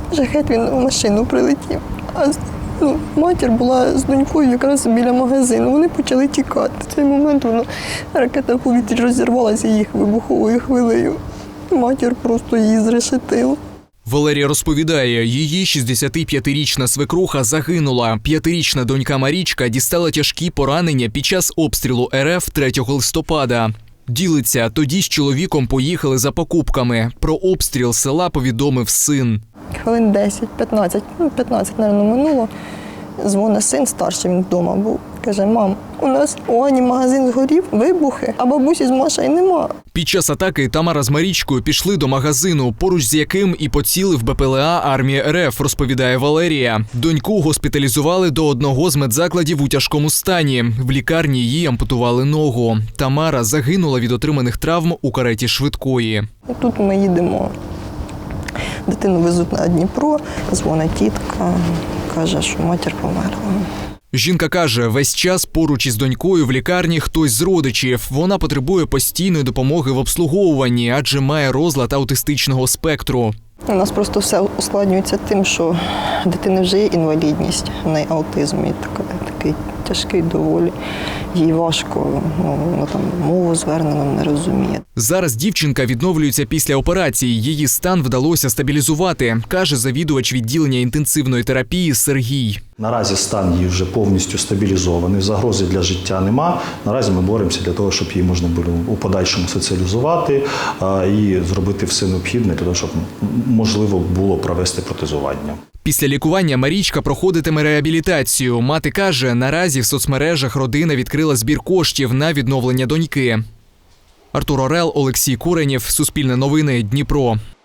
Жахет, він в машину прилетів. А матір була з донькою якраз біля магазину. Вони почали тікати. В цей момент ракета в повітрі розірвалася їх вибуховою хвилею. Матір просто її зрешетила. Валерія розповідає, її 65-річна свекруха загинула. 5-річна донька Марічка дістала тяжкі поранення під час обстрілу РФ 3 листопада. Ділиться, тоді з чоловіком поїхали за покупками. Про обстріл села повідомив син. Хвилин 10-15, 15, мабуть, минуло. Дзвонить син старший, він вдома був. Каже: мам, у нас у Ані магазин згорів, вибухи, а бабусі з Машею нема. Під час атаки Тамара з Марічкою пішли до магазину, поруч з яким і поцілив БПЛА армії РФ, розповідає Валерія. Доньку госпіталізували до одного з медзакладів у тяжкому стані. В лікарні їй ампутували ногу. Тамара загинула від отриманих травм у кареті швидкої. І тут ми їдемо. Дитину везуть на Дніпро, дзвонить тітка, каже, що матір померла. Жінка каже, весь час поруч із донькою в лікарні хтось з родичів. Вона потребує постійної допомоги в обслуговуванні, адже має розлад аутистичного спектру. У нас просто все ускладнюється тим, що в дитини вже є інвалідність, в неї аутизм, і такий тяжкий доволі. Їй важко, вона там мову звернено не розуміє. Зараз дівчинка відновлюється після операції. Її стан вдалося стабілізувати, каже завідувач відділення інтенсивної терапії Сергій. Наразі стан її вже повністю стабілізований, загрози для життя нема. Наразі ми боремося для того, щоб її можна було у подальшому соціалізувати і зробити все необхідне для того, щоб можливо було провести протезування. Після лікування Марічка проходитиме реабілітацію. Мати каже, наразі в соцмережах родина відкрила збір коштів на відновлення доньки. Артур Орел, Олексій Куренєв, Суспільне новини, Дніпро.